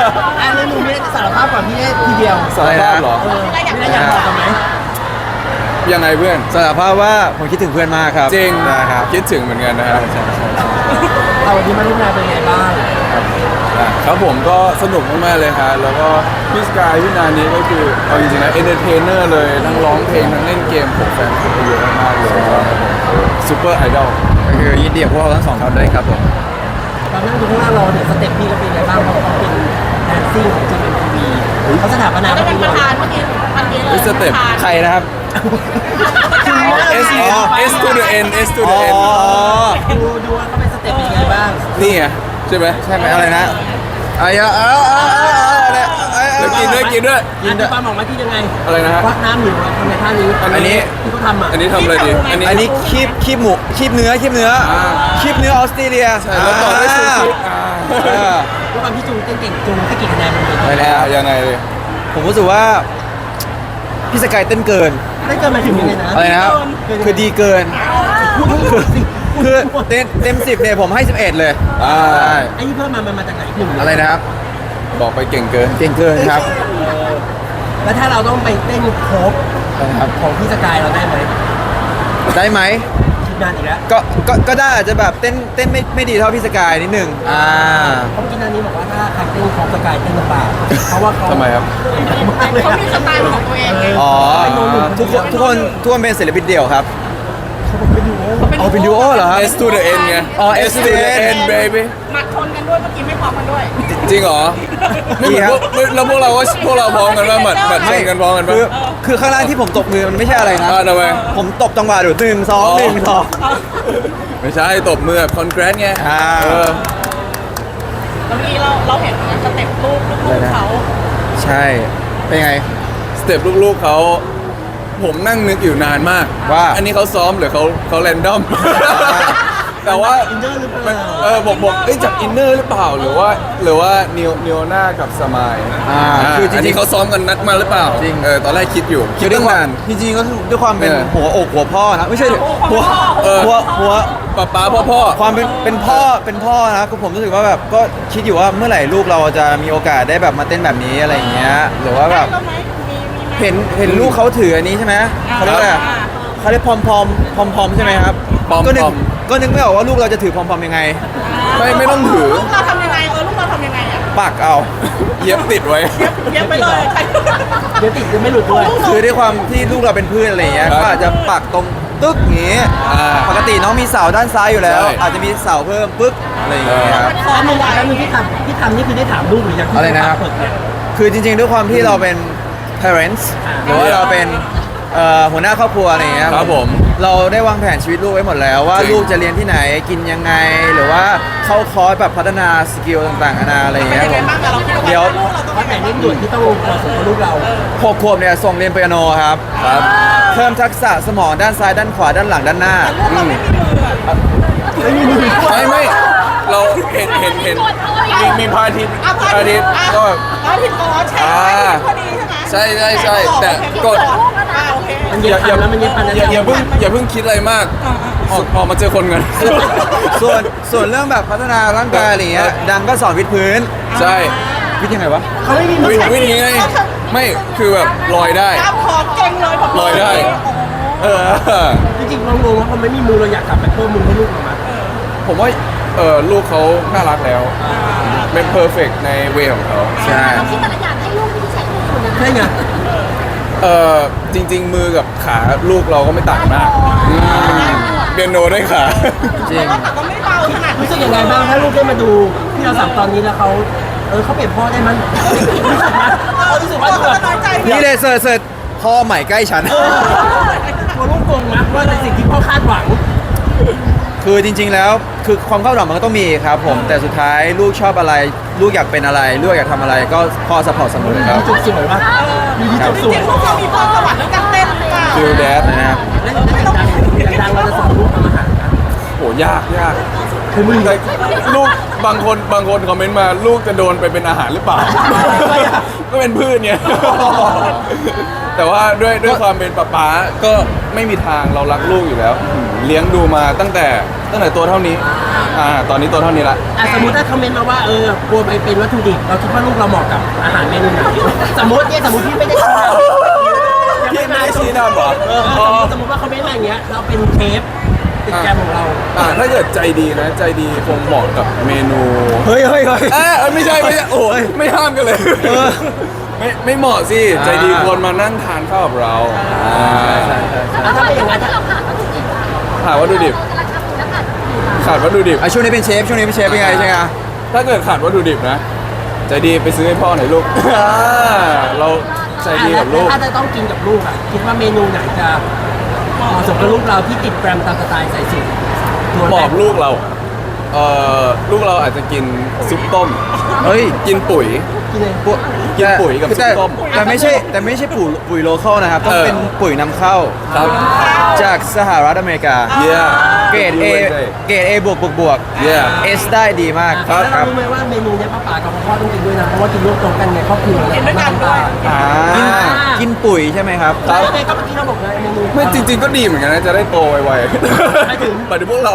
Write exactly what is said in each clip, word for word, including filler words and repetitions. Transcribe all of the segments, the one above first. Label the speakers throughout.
Speaker 1: อ่ะแล้วหนูไม่ได้สารภาพก่อนพี่ได้ทีเดียว
Speaker 2: สารภาพเหรอ
Speaker 1: เออไม่ได้อยากบอกกันไหม
Speaker 2: ยังไงเพื่อน
Speaker 3: สารภาพว่าผมคิดถึงเพื่อนมากครับ
Speaker 2: จริง
Speaker 3: นะครับ
Speaker 2: คิดถึงเหมือนกันนะครับ
Speaker 1: เอาวันนี้มาร่วมงานเป็นไงบ้าง
Speaker 2: ครับผมก็สนุกมากๆเลยครับแล้วก็พี่สกายพี่นานี้ก็คือเอาจริงๆนะเอนเตอร์เทนเนอร์เลยทั้งร้องเพลงทั้งเล่นเกมผมแฟนคลับเยอะมากๆเลยซูเปอร์ไอดอล
Speaker 3: ก็คือยินดีกับพวกเราทั้งสองคนด้วยครับผม
Speaker 1: ตอนนั่งดูข้างหน้าเราเนี่ยสเต็ปพี่ก็เป็นไงบ้างเพราะเขาเป็นแดนซิ่งของจีเอ็มทีวีเขาสถาปนา
Speaker 4: จะ
Speaker 1: เป็
Speaker 4: เป็น
Speaker 1: น
Speaker 4: ประธานเมื่อกี้เมื่อกี้เลย
Speaker 2: สเต็ป
Speaker 3: ใครนะครับ
Speaker 2: S S to the N S to
Speaker 3: อ๋
Speaker 2: the
Speaker 3: อ
Speaker 2: N
Speaker 1: ดูดูว่าเขาเป็นสเต็ปเป็นไงบ้าง
Speaker 2: นี่ไงใช่ไหม
Speaker 3: ใช่ไหมอะไรนะอะไรอะเออเออเอออะไร
Speaker 2: แล้วกินด้วยกินด้วย
Speaker 1: กินปลาหมอกมาที่ยังไง
Speaker 2: อะไรนะฮะ
Speaker 1: ควักน้ำหรือว่าทำในท่านี้
Speaker 2: อันนี้
Speaker 1: ที่เขาทำอ่ะ
Speaker 2: อันนี้ทำอะไรดีอันนี้
Speaker 3: อันนี้คีบคีบหมูคีบเนื้อคีบเนื้อคีบเนื้อออสเตรเลีย
Speaker 2: ใช่แล้วต่อด้วยซูชิอ่า
Speaker 3: เออ
Speaker 1: ด้วยความที่จูงเต้นเก่งจูงให้กี่คะแนนมันเลย
Speaker 3: ไปแล้ว
Speaker 2: ยังไงเลย
Speaker 3: ผมรู้สึกว่าพี่สกายเต้นเกิน
Speaker 1: ได้เกินมาถึงยังไงนะ
Speaker 3: อะไรนะครับคือดีเกิน
Speaker 1: พูดพูดสิ
Speaker 3: คือเต็มเต็มสิบเนี่ยผมให้สิบเอ็ดเลย
Speaker 2: อ่า
Speaker 3: ใช่
Speaker 1: ไอ้ที่เพิ่มมามันมาจากไหนหนึ่ง
Speaker 3: อะไรนะครับ
Speaker 2: บอกไปเก่งเกิน
Speaker 3: เก่งเกินครับ
Speaker 1: แล้วถ้าเราต้องไปเต้นโคฟ
Speaker 3: นะครับ
Speaker 1: ของพี่สกายเราได้ไหม
Speaker 3: ได้ไหม
Speaker 1: คิดนานอีกแล้ว
Speaker 3: ก็ก็ก็ได้อาจจะแบบเต้นเต้นไม่ไม่ดีเท่าพี่สกายนิดนึงอ่า
Speaker 1: เขากินอันนี้บอกว่าถ้าใครเต้นของสกายเต้นลำบากเพราะว่าเขา
Speaker 2: ทำไมครับ
Speaker 1: มากเลย
Speaker 4: เขามีสไตล์ของตัวเองไง
Speaker 3: อ๋อทุกคนทุกคนทุกคนเป็นศิลปินเดี่ยวครับ
Speaker 1: เขาเป็นอยู่
Speaker 3: อ๋อเป็นดูโอเหรอครับ
Speaker 2: S to the N ไง
Speaker 3: อ๋อ
Speaker 2: S to the N baby
Speaker 4: หมัดชนกันด้วยเมื่อกี้ไม่พร้อมกันด้วย
Speaker 2: จริงเหรอไม่เหมือนพวกไม่แล้วพวกเราก็พวกเราพร้อมกันว่าหมัดหมัดชนกันพร้อมกันปะ
Speaker 3: คือคือข้างล่างที่ผมตบมือมันไม่ใช่อะไรนะ
Speaker 2: อ่าทำไม
Speaker 3: ผมตบจังหวะดูหนึ่งสองหนึ่งสอง
Speaker 2: ไม่ใช่ตบมือแบบคอนแกรสไง
Speaker 3: อ่า
Speaker 2: เออ
Speaker 4: แล้วเมื่อกี้เราเราเห็นสเต็ปลูกลูกเขา
Speaker 3: ใช่ เป็นไง
Speaker 2: สเต็ปลูกๆเขาผมนั่งนึกอยู่นานมาก
Speaker 3: ว่า
Speaker 2: อันนี้เขาซ้อมหรือเขาเขาแรนดอม แต่ว่า
Speaker 1: อินเนอร์หรือเปล่า
Speaker 2: เออบอกบอกเอ้ยจากอินเนอร์หรือเปล่าหรือว่าหรือว่านิวนิวน่ากับสมาย
Speaker 3: อ่าคือจริงๆ
Speaker 2: อันนี้เขาซ้อมกันนัดมาหรือเปล่า
Speaker 3: จริง
Speaker 2: เออตอนแรกคิดอยู่คิ
Speaker 3: คือ
Speaker 2: ด
Speaker 3: ด้วย
Speaker 2: ตั้ง
Speaker 3: ความ
Speaker 2: นาน
Speaker 3: จริงๆก็ด้วยความเป็น
Speaker 2: เออ
Speaker 3: หัวอกหัวพ่อนะไม่ใช่ดิหัว
Speaker 2: เออ
Speaker 3: หัวหัว
Speaker 2: ป้าป้าพ่อพ่อ
Speaker 3: ความเป็นเป็นพ่อเป็นพ่อนะก็ผมรู้สึกว่าแบบก็คิดอยู่ว่าเมื่อไหร่ลูกเราจะมีโอกาสได้แบบมาเต้นแบบนี้อะไรอย่างเงี้ยหรือว่าแบบ
Speaker 4: ได้ไหมมีมีไหม
Speaker 3: เห็นเห็นลูกเขาถืออันนี้ใช่ไหมเขาเรียกว่าอะไรอะเขาเรียกพอมพอมพอมพอมใช่ไหมครับ
Speaker 2: ปอม
Speaker 3: ก็นึก
Speaker 2: ปอม
Speaker 3: ก็นึกไม่ออกว่าลูกเราจะถือพอมพอมยังไง
Speaker 2: ไม่ไม่ต้องถือ
Speaker 4: ลูกเราทำยังไงเออลูกเราทำยังไงอ่ะ
Speaker 3: ปักเอา
Speaker 2: เย็บติดไว้
Speaker 4: เย็บไปเลยใคร
Speaker 1: เดี๋ยวติดจะไม่หลุดด้วย
Speaker 3: คือด้วยความที่ลูกเราเป็นพืชอะไรอย่างเงี้ย
Speaker 2: ครับ
Speaker 3: ก็อาจจะปักตรงตึ๊กอย่างงี้
Speaker 2: อ่า
Speaker 3: ปกติน้องมีเสาด้านซ้ายอยู่แล้ว
Speaker 2: ใช่
Speaker 3: อาจจะมีเสาเพิ่มปึ๊กอะไรอย่างเงี้ยครับ
Speaker 1: แล้วมึงแล้วมึงที่ทำที่ทำนี่คือได้ถามลูกหรือยังที่
Speaker 3: อะไรนะครับ
Speaker 1: เปิดเนี่ย
Speaker 3: คือจริงๆด้วยความที่เราเป็น parents หรือว่าเราเป็นเอ่อหัวหน้าครอบครัวอะไรอย่างเงี้ย
Speaker 2: ครับผม
Speaker 3: เราได้วางแผนชีวิตลูกไว้หมดแล้วว่า
Speaker 2: จริง
Speaker 3: ลูกจะเรียนที่ไหนกินยังไง หรือว่าเข้าคอร์สแบบพัฒนาสกิลต่างๆนานาอะไรอย่าง
Speaker 4: เป็น
Speaker 3: เงี้ย
Speaker 4: ยัง
Speaker 3: ผ
Speaker 4: ไง
Speaker 3: ม
Speaker 4: บ้างอะเราคิดว่า
Speaker 3: เดี๋ยว
Speaker 4: ลูกเราต้อง
Speaker 1: ว่าแต่เร่งด่วนที่ต้องเราส่งกับลูกเรา
Speaker 3: หกขวบเนี่ยส่งเรียนเปียโนครับ
Speaker 2: ครับ
Speaker 3: เพิ่มทักษะสมองด้านซ้ายด้านขวาด้านหลังด้านหน้า
Speaker 4: ลูกเราไม่มีมืออะ
Speaker 1: ไม่มีมือ
Speaker 2: ไม่ไม่เราเห็นเห็นเห็นมีมีพระอาทิตย์
Speaker 4: อ่ะ
Speaker 2: พระอาทิตย์
Speaker 4: อ่ะ
Speaker 2: ก็
Speaker 4: พระอาทิตย์อ๋อใช่
Speaker 2: อ่า
Speaker 4: พอดีใช่ไหม
Speaker 2: ใช่ใช่ใช่แต่กด
Speaker 4: อ่าโอเค
Speaker 1: มันเย็บพันแล้วมันเย็บพันแล้ว
Speaker 2: อย่าอย่าเพิ่งอย่าเพิ่งคิดอะไรมากออกออกมาเจอคนกัน
Speaker 3: ส่วนส่วนเรื่องแบบพัฒนาร่างกายอะไรอย่างเงี้ยดังก็สอนวิดพื้น
Speaker 2: ใช่
Speaker 3: วิดยังไงวะ
Speaker 1: เขาไม่มีมือ
Speaker 2: วิ่งวิ่งยังไงไม่คือแบบลอยได้
Speaker 4: กล้ามคอเก่งเลยผม
Speaker 2: ลอยได้ เออ
Speaker 1: จริงๆเรางงว่าเขาไม่มีมือเราอยากกลับไปเพิ่มมือให้ลูกเรามา
Speaker 2: ผมว่าเออลูกเขาน่ารักแล้ว เป็นเพอร์เฟกในเวของเขา
Speaker 3: ใช่
Speaker 5: เราคิดแต่ละอย่างให้ลูกที่ใช้มือคุณนะ
Speaker 1: ใช่ไง
Speaker 2: เออจริง ๆ มือกับขาลูกเราก็ไม่ต่างมากอืมเปียโนได้ขา
Speaker 3: จริง
Speaker 4: แต่ก็ไม่เบาขนาด
Speaker 1: รู้สึกยังไงบ้างถ้าลูกได้มาดูที่เราสับตอนนี้แล้วเขาเออเขาเปลี่ยนพ่อได้มั้ยรู้สึกว่าเขารู้สึกว่า
Speaker 4: เรา
Speaker 1: แบบ
Speaker 4: น้อยใจ
Speaker 3: นี่เลยเสิร์ชเสิร์ชพ่อใหม่ใกล้ฉัน
Speaker 1: ตัวลูกโกงมั้ยว่าในสิ่งที่พ่อคาดหวัง
Speaker 3: คือจริง ๆ แล้วคือความคาดหวังมันก็ต้องมีครับผม แต่สุดท้ายลูกชอบอะไร ลูกอยากเป็นอะไร ลูกอยากทำอะไรก็พ่อสปอร์ตเสมอครับ
Speaker 1: จุดสวยป่ะมีที่จุดส
Speaker 4: จ
Speaker 1: วย
Speaker 4: ริงๆพวกเรามีพรสวรรค์เรื่องการเต้นหรือเปล่า
Speaker 2: ฟิลแดด
Speaker 3: นะครับ
Speaker 1: แล้วดังดังเราจะสอนลูกทำอาหารนะ
Speaker 2: โหยากยาก
Speaker 1: คือมึง
Speaker 2: แต่ลูกบางคนบางคนคอมเมนต์มาลูกจะโดนไปเป็นอาหารหรือเปล่า ก็เป็นพืชเนี่ยแต่ว่าด้วยด้วยความเป็นป๊าป๊าก็ไม่มีทางเรารักลูกอยู่แล้ว เลี้ยงดูมาตั้งแต่ตั้งแต่ตัวเท่านี้อ่าตอนนี้ตัวเท่านี้ละ
Speaker 1: อ่ะสมมติถ้าคอมเมนต์มาว่าเออกลัวไปเป็นวัตถุดิบเราคิดว่าลูกเราเหมาะกับอาหารเมนูไหนสมมติเนี่ยสมมติที่ไม่ได้ชี้นำ
Speaker 2: พี่ไม่ได้ชี้นำเหรอ
Speaker 1: เออสมมติว่าเขาไม่มาอย่างเงี้ยเราเป็นเชฟติดแกรมของเรา
Speaker 2: อ่าถ้าเกิดใจดีนะ ใจดีคงเหมาะกับเมนู
Speaker 3: เฮ้ยเฮ้ยเฮ้ย
Speaker 2: เอยไม่ใช่ไม่ใช่โอ้ยไม่ห้ามกันเลยไม่ไม่เหมาะสิใจดีควรมานั่งทานข้าวกับเราอ่า
Speaker 5: แล้วทำไมอย่างนั้นเราขาดวัตถุดิบอะ
Speaker 2: หาวัตถุดิบ
Speaker 5: แต่ละคำแล้วขาดวัตถุดิบอะ
Speaker 2: ขาดวัตถุดิบ
Speaker 3: อ่ะช่วงนี้เป็นเชฟช่วงนี้เป็นเชฟเป็นไงใช่ไหม
Speaker 2: ถ้าเกิดขาดวัตถุดิบนะ ใจดีไปซื้อให้พ่อหน่อยลูก อ่าเราใจดีกับลูก
Speaker 1: ถ้าจะต้องกินกับลูกอ่ะคิดว่าเมนูไหนจะเหมาะสมกับลูกเราที่ติดแกรมตามสไตล์ใส่สูตรตัว
Speaker 2: บอกลูกเราเอ่อลูกเราอาจจะกินซุปต้ม
Speaker 3: เฮ้ย
Speaker 2: กินปุ๋ย
Speaker 1: กินเลย
Speaker 3: ปุ๋ย
Speaker 2: กินปุ๋ยกับ
Speaker 3: แต่
Speaker 2: ซุปต้ม
Speaker 3: แต่ไม่ใช่แต่ไม่ใช่ปุ๋ยปุ๋ยโลคอลนะครับต้อง
Speaker 2: เออ
Speaker 3: เป็นปุ๋ยนำเข้า
Speaker 2: ครับ
Speaker 3: จากสหรัฐอเมริกา
Speaker 2: เยี่ย
Speaker 3: เกรด A เกรด A บวกบวกบวก
Speaker 2: เยี่ย
Speaker 3: S ได้ดีมาก
Speaker 2: ครับ
Speaker 1: แล้วเรารู้ไหมว่าเมนูเนี้ยป้าป๋ากับพ่อต้องกินด้วยนะเพราะว่ากินร่วมตรงกันไงครอบครัว
Speaker 4: กินด้วยกันด้วย
Speaker 3: อ่ากินปุ๋ยใช่ไหมครับ
Speaker 1: ใช่ไหมก็เมื่อกี้เราบอกเลยเมนู
Speaker 2: ไม่จริง ๆ ก็ดีเหมือนกันนะ จะได้โตไว
Speaker 1: หมายถึง
Speaker 2: ๆปัจจุบันเรา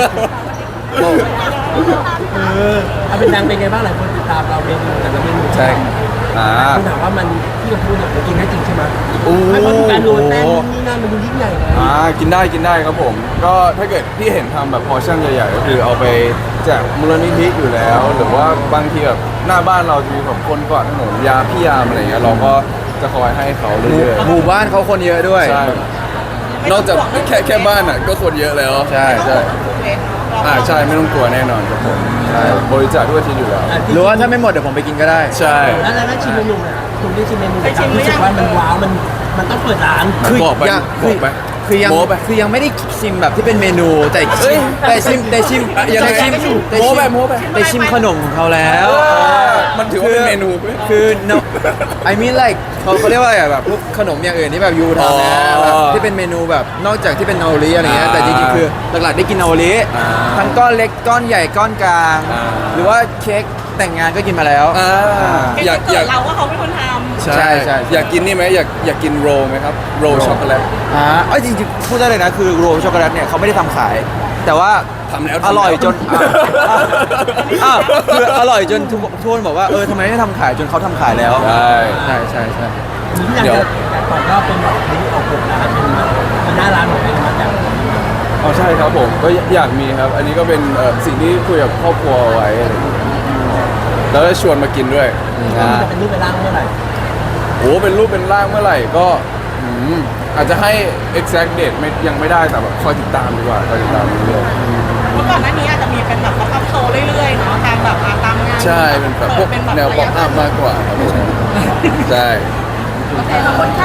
Speaker 1: เออเอาเป็นดังเป็นไงบ้างหลายคนติดตามเราเมนูแต่ละเมนู
Speaker 2: ใช่อ่า
Speaker 1: คุณถามว่ามันที่เราพูดเนี่ยมันกินได้จริงใช่ไหม
Speaker 2: โอ้
Speaker 1: ไม่เพราะดูการโรยแป้งนู่นนี่นั่นมันดูยิ่งใหญ่เลย
Speaker 2: อ่ากินได้กินได้ครับผม ก็ถ้าเกิดพี่เห็นทำแบบพอร์ชั่นใหญ่ๆก็คือเอาไปแจกมูลนิธิอยู่แล้ว หรือว่าบางทีแบบหน้าบ้านเราจะมีแบบคนกวาดถนนยาพี่ยามอะไรเงี้ยเราก็จะคอยให้เขาเรื่อย
Speaker 3: หมู่บ้านเขาคนเยอะด้วย
Speaker 2: ๆใช่นอกจากแค่แค่บ้านอ่ะก็คนเยอะแล้ว
Speaker 3: ใช่ใช่
Speaker 2: อ่าใช่ไม่ต้องกลัวแน่นอนครับผมใช่บริจาคทุกอาทิตย์อยู่แล้ว
Speaker 3: หรือว่าถ้าไม่หมดเดี๋ยวผมไปกินก็ได้
Speaker 2: ใช่
Speaker 1: แล้วแล้วชิมเมนูเนี่ยคุณได้ชิมเมนูแต่รู้สึกว่ามันว้าวมันมันต้องเปิดร้าน
Speaker 3: คือ
Speaker 2: บอกไป
Speaker 3: ยัง
Speaker 2: บอกไป
Speaker 3: คือยัง
Speaker 2: โม้ไป
Speaker 3: คือยังไม่ได้ชิมแบบที่เป็นเมนูแต่
Speaker 2: เอ้
Speaker 3: ชิ
Speaker 2: ย
Speaker 3: มแต่ชิมแต่ชิม
Speaker 2: อ่ะยังไง
Speaker 3: แต่ชิมแต่
Speaker 2: โม้
Speaker 3: ชิ
Speaker 2: ไปโม้ไป
Speaker 3: แต่ชิมขนมของเขาแล้ว
Speaker 2: มันถือว่าเป็นเมนูไหม
Speaker 3: คือ no I mean like เขาเขาเรียกว่าอะไรอะแบบพวกขนมอย่างอื่นที่แบบยูทำนะ
Speaker 2: อ๋อ
Speaker 3: แบบที่เป็นเมนูแบบนอกจากที่เป็นนาโอริอะไรเงี้ย
Speaker 2: อ่า
Speaker 3: แต่จริงๆคือหลักๆได้กินนาโอริ
Speaker 2: อ่า
Speaker 3: ทั้งก้อนเล็กก้อนใหญ่ก้อนกลาง
Speaker 2: อ่า
Speaker 3: หรือว่าเค้กแต่งงานก็กินมาแล้ว
Speaker 2: อ่า
Speaker 4: อยาก
Speaker 2: อยาก
Speaker 4: เราว่าเขาเป็นคนท
Speaker 3: ใช่ใช่
Speaker 2: อยากกินนี่ไหมอยากอยากกินโรลไหมครับโรลช็อกโกแลต
Speaker 3: อ่าเอ้ยจริงๆพูดได้เลยนะคือโรลช็อกโกแลตเนี่ยเขาไม่ได้ทำขาย แต่ว่า
Speaker 2: ทำแล้ว
Speaker 3: อร่อย
Speaker 2: ทำแล้ว
Speaker 3: จนอ่ะอ่ะอ่ะคืออร่อยจนทุกทุกคนบอกว่าเออทำไมไม่ทำขายจนเขาทำขายแล้ว
Speaker 2: ใช่
Speaker 3: ใช่ใช่ใช่
Speaker 1: ที่อยากจะต่อยอดเป็นแบบนี้ออกแบบร้านเป็นเป็นหน้าร้านของเองมาจาก
Speaker 2: อ๋อใช่ครับผมก็อยากมีครับ อันนี้ก็เป็นเอ่อสิ่งที่คุยกับครอบครัวไว้อะไรอย่างเงี้ยแล้วก็ชวนมากินด้วย
Speaker 1: ว่ามันจะเป็นรูปเป็นร่างเมื่อไหร่
Speaker 2: โอ้เป็นรูปเป็นร่างเมื่อไหร่ก็อืมอาจจะให้ exact date ไม่ยังไม่ได้แต่แบบคอยติดตามดีกว่าคอยติดตามเรื่อย
Speaker 4: ำเมื่อก่อนหน้านี้อาจจะมีเป็นแบบป๊อปอัพโชว์เรื่อยๆเนาะตามแบบอ่าตามงาน
Speaker 2: ๆใช่เป็นแบบพวก
Speaker 4: เป็นแบบ
Speaker 2: แนวป๊อปอัพมากกว่าครับไม่ใช่ใช่
Speaker 5: โอเคขอบคุณค่ะ